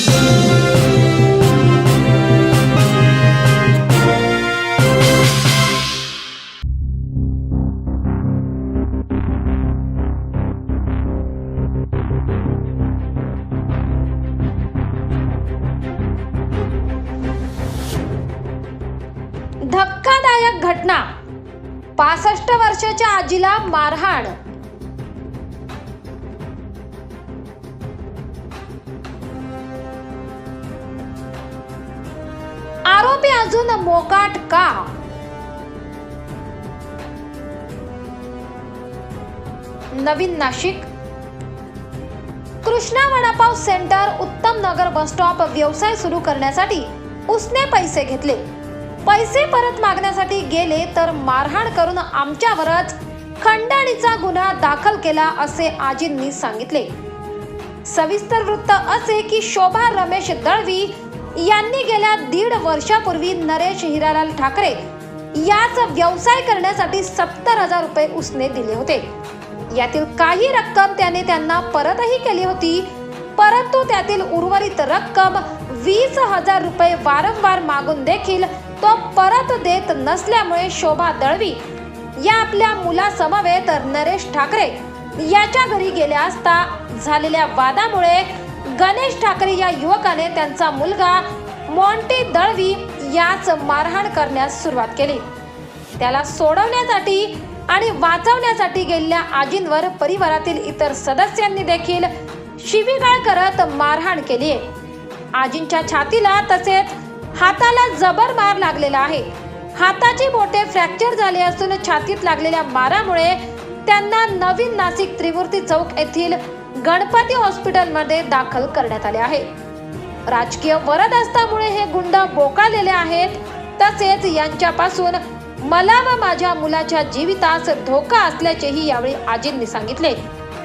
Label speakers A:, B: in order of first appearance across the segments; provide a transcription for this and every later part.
A: धक्कादायक घटना, 65 वर्षाच्या आजीला मारहाण. आरोपी अजून मोकाट का? नवीन Nashik. Krishna vadapav centre Uttam Nagar bus stop व्यवसाय सुरू करण्यासाठी उसने पैसे घेतले. पैसे परत मागण्यासाठी गेले तर मारहाण करून आमच्यावरच खंडणीचा गुन्हा दाखल केला असे आजींनी सांगितले. सविस्तर वृत्त असे की शोभा रमेश दळवी यांनी गेल्या 1.5 वर्षापूर्वी नरेश हिरालाल ठाकरे याच व्यवसाय करण्यासाठी 70,000 रुपये उसने दिले होते. यातील काही रक्कम त्याने त्यांना परतही केली होती, परंतु त्यातील उर्वरित रक्कम 20,000 रुपये वारंवार मागून देखील तो परत देत नसल्यामुळे शोभा दळवी या आपल्या मुलासमवेत नरेश ठाकरे याच्या घरी गेल्या असता झालेल्या वादामुळे गणेश ठाकरे या युवकाने त्यांचा मुलगा मोंटी दळवी याच मारहाण करण्यास सुरुवात केली. त्याला सोडवण्यासाठी आणि वाचवण्यासाठी गेलेल्या आजींवर परिवारातील इतर सदस्यांनी देखील शिवीगाळ करत मारहाण केली आहे. आजींच्या छातीला तसेच हाताला जबर मार लागलेला आहे. हाताची बोटे फ्रॅक्चर झाले असून छातीत लागलेल्या मारामुळे त्यांना नवीन नाशिक त्रिमूर्ती चौक येथील गणपती हॉस्पिटलमध्ये दाखल करण्यात आले आहे. राजकीय वरदहस्तामुळे हे गुंड बोकाळलेले आहेत. तसेच यांच्यापासून मला व माझ्या मुलाच्या जीवितास धोका असल्याचेही यावेळी आजींनी सांगितले.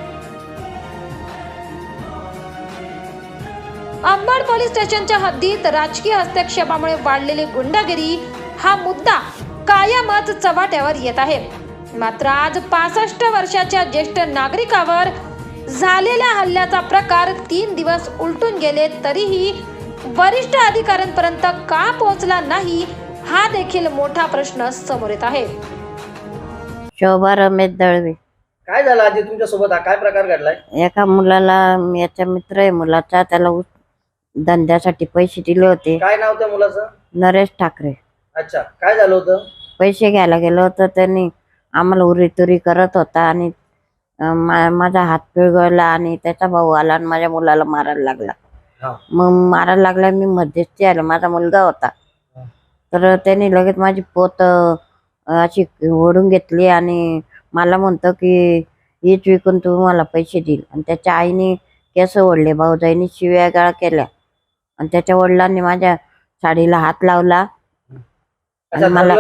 A: अंबड पोलीस स्टेशनच्या हद्दीत राजकीय हस्तक्षेपामुळे वाढलेली गुंडगिरी हा मुद्दा कायमच चव्हाट्यावर येत आहे. मात्र आज 65 वर्षाच्या ज्येष्ठ नागरिकावर झालेल्या हल्ल्याचा प्रकार 3 दिवस उलटून गेले तरीही वरिष्ठ अधिकाऱ्यांपर्यंत का पोहोचला नाही हा देखील मोठा प्रश्न समोर येत आहे.
B: शोभा रमेश दळवी.
C: काय झालं आजी तुमच्या सोबत? काय प्रकार घडलाय?
B: एका मुलाला, याचा मित्र आहे मुलाचा, त्याला धंद्यासाठी पैसे दिले होते.
C: काय नाव त्या मुलाचं?
B: नरेश ठाकरे.
C: अच्छा, काय झालं होतं?
B: पैसे घ्यायला गेलो होतो, त्यांनी आम्हाला उरीतुरी करत होता आणि माझा हात पिळगळला आणि त्याचा भाऊ आला आणि माझ्या मुलाला मारायला लागला. मग मारायला लागला, मी मध्यस्थी आले, माझा मुलगा होता. तर त्यांनी लगेच माझी पोत अशी ओढून घेतली आणि मला म्हणतो की हीच विकून तू मला पैसे देईल. आणि त्याच्या आईने केस ओढले, भाऊजाईने शिव्या गाळ केल्या आणि त्याच्या वडिलांनी माझ्या साडीला हात लावला आणि मला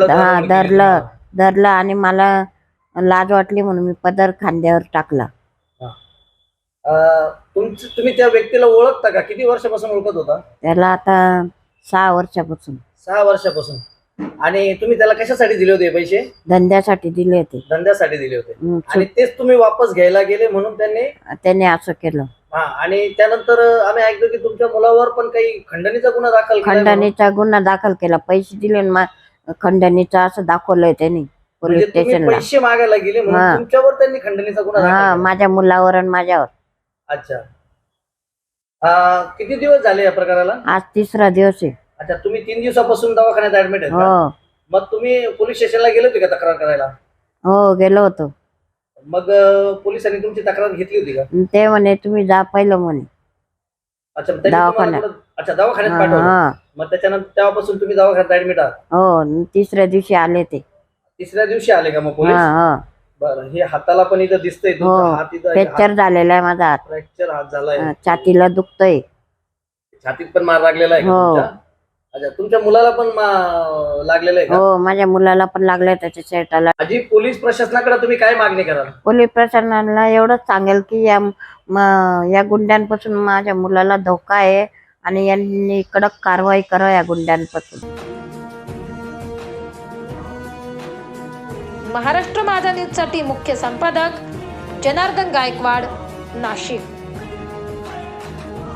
B: धरलं आणि मला लाज वाटली म्हणून मी पदर खांद्यावर टाकला.
C: तुम्ही त्या व्यक्तीला ओळखता का? किती वर्षापासून ओळखत होता?
B: त्याला आता 6 वर्षापासून.
C: 6 वर्षापासून. आणि तुम्ही त्याला कशासाठी दिले होते पैसे?
B: धंद्यासाठी दिले होते.
C: धंद्यासाठी दिले होते आणि तेच तुम्ही वापस घ्यायला गेले म्हणून त्यांनी
B: असं केलं.
C: आणि त्यानंतर आम्ही ऐकतो की तुमच्या मुलावर पण काही खंडणीचा गुन्हा दाखल केला.
B: खंडणीचा गुन्हा दाखल केला. पैसे दिले खंडणीचा असं दाखवलंय त्यांनी पोलीस स्टेशनला.
C: पैसे मागायला गेले म्हणून तुमच्यावर त्यांनी खंडणीचा गुन्हा दाखल केला?
B: माझ्या मुलावर आणि माझ्यावर.
C: अच्छा, किती दिवस झाले या प्रकाराला?
B: आज 3रा दिवस आहे.
C: अच्छा, तुम्ही 3 दिवसापासून दवाखान्यात ऍडमिट आहे का? मग तुम्ही पोलीस स्टेशनला गेले होते का तक्रार करायला?
B: हो, गेलो होतो.
C: मग पोलिसांनी तुमची तक्रार घेतली होती का?
B: ते म्हणे तुम्ही जा पहिलं म्हणे.
C: अच्छा,
B: दवाखान्यात.
C: अच्छा, दवाखान्यात पाठवलं. मग त्याच्यानंतर तेव्हापासून तुम्ही दवाखान्यात ऍडमिट आहात?
B: हो, 3ऱ्या दिवशी आले ते.
C: 3ऱ्या दिवशी आले का मग पोलीस? बरं, हे हाताला पण इथं दिसतंय हात इथं
B: फ्रॅक्चर झालेला आहे माझा हात.
C: फ्रॅक्चर हात झालाय.
B: छातीला दुखतंय.
C: छातीत पण मार लागलेला आहे का? अच्छा, तुमच्या मुलाला पण लागलेलं आहे का?
B: हो, माझ्या मुलाला पण लागलंय त्याच्या शर्टाला.
C: आजी, पोलीस प्रशासनाकडे तुम्ही काय मागणी कराल?
B: पोलीस प्रशासनाला एवढंच सांगेल की या गुंड्यांपासून माझ्या मुलाला धोका आहे आणि यांनी कडक कारवाई करा या गुंड्यांपासून.
A: महाराष्ट्र माझा न्यूज साठी मुख्य संपादक जनार्दन गायकवाड, नाशिक.